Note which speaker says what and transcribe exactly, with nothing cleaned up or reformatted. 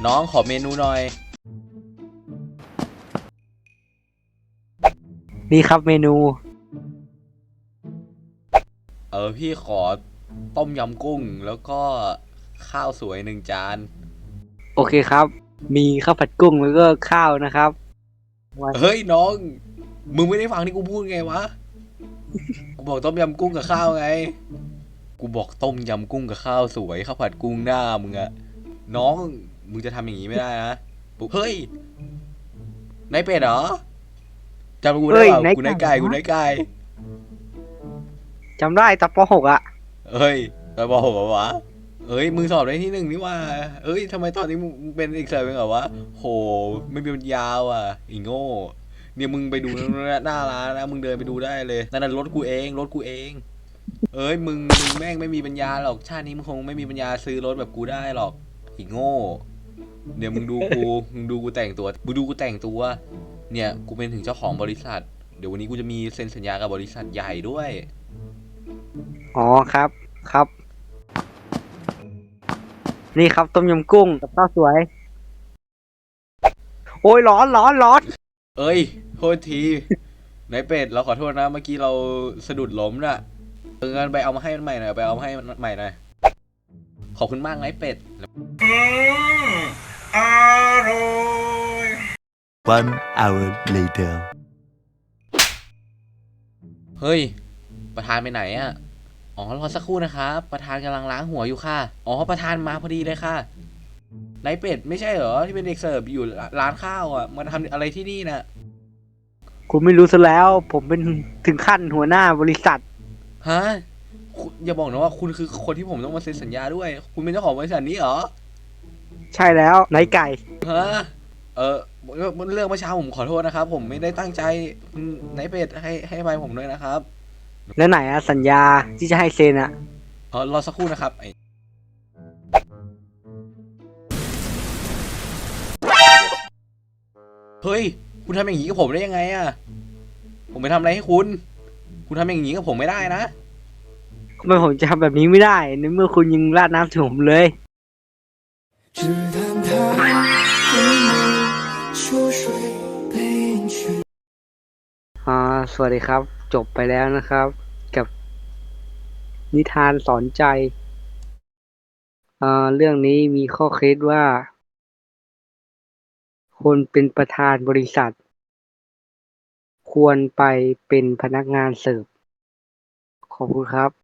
Speaker 1: น้องขอเมนูหน่อย
Speaker 2: นี่ครับเมนู
Speaker 1: เออพี่ขอต้มยำกุ้งแล้วก็ข้าวสวยหนึ่งจาน
Speaker 2: โอเคครับมีข้าวผัดกุ้งแล้วก็ข้าวนะครับวัน
Speaker 1: เฮ้ยน้องมึงไม่ได้ฟังที่กูพูดไงวะกูบอกต้มยำกุ้งกับข้าวไงกูบอกต้มยำกุ้งกับข้าวสวยข้าวผัดกุ้งหน้ามึงอะน้องมึงจะทำอย่างนี้ไม่ได้นะปุ๊บเฮ้ยนายเป็ดเหรอจำกูได้
Speaker 2: เฮ้ย
Speaker 1: เปล่า
Speaker 2: ไหน
Speaker 1: กูนายไก่กูนายไก่
Speaker 2: จำได้ตอนป .หก อ่ะ
Speaker 1: เฮ้ยไปบอกผมวะเอ้ยมึงสอบได้ที่หนึ่งนี่ว่าเอ้ยทำไมตอนนี้มึงเป็นอีกเซอร์เป็นเหรอวะโหไม่มีปัญญาว่ะอีโง่เนี่ยมึงไปดูหน้าร้านนะมึงเดินไปดูได้เลยนั่นน่ะรถกูเองรถกูเองเอ้ยมึงมึงแม่งไม่มีปัญญาหรอกชาตินี้มึงคงไม่มีปัญญาซื้อรถแบบกูได้หรอกอีโง่เดี๋ยวมึงดูกูมึงดูกูแต่งตัวมึงดูกูแต่งตัวเนี่ยกูเป็นถึงเจ้าของบริษัทเดี๋ยววันนี้กูจะมีเซ็นสัญญากับบริษัทใหญ่ด้วย
Speaker 2: อ๋อครับครับนี่ครับต้มยำกุ้งกับข้าวสวยโอ้ยร้อนร้อนร้อน
Speaker 1: เอ้ยโทษทีนายเป็ดเราขอโทษนะเมื่อกี้เราสะดุดล้มน่ะเอองั้นไปเอามาให้มันใหม่หน่อยไปเอามาให้มันใหม่หน่อยขอบคุณมากนายเป็ดอืมอร่อย
Speaker 3: One hour later
Speaker 1: เฮ้ยประธานไปไหนอ่ะอ๋อรอสักครู่นะครับประธานกำลังล้างหัวอยู่ค่ะอ๋อประธานมาพอดีเลยค่ะนายเป็ดไม่ใช่เหรอที่เป็นเด็กเสิร์ฟอยู่ร้านข้าวอ่ะมาทำอะไรที่นี่น่ะ
Speaker 2: คุณไม่รู้ซะแล้วผมเป็นถึงขั้นหัวหน้าบริษัท
Speaker 1: ฮะคุณอย่าบอกนะว่าคุณคือคนที่ผมต้องมาเซ็นสัญญาด้วยคุณเป็นเจ้าของบริษัทนี้เหรอ
Speaker 2: ใช่แล้วไหนไก่
Speaker 1: ฮะเออเรื่องเมื่อเช้าผมขอโทษนะครับผมไม่ได้ตั้งใจไหนเป็ดให้ให้ไปผมด้วยนะครับ
Speaker 2: แล้วไหนอะสัญญาที่จะให้เซ็นอะ
Speaker 1: เออรอสักครู่นะครับไอเฮ้ยคุณทำอย่างนี้กับผมได้ยังไงอะผมไปทำอะไรให้คุณคุณทำอย่างนี้กับผมไม่ได้นะ
Speaker 2: ทำไมผมจะทำแบบนี้ไม่ได้ในเมื่อคุณยังราดน้ำถึงผมเลยอ่าสวัสดีครับจบไปแล้วนะครับกับนิทานสอนใจอ่าเรื่องนี้มีข้อคิดว่าคนเป็นประธานบริษัทควรไปเป็นพนักงานเสิร์ฟขอบคุณครับ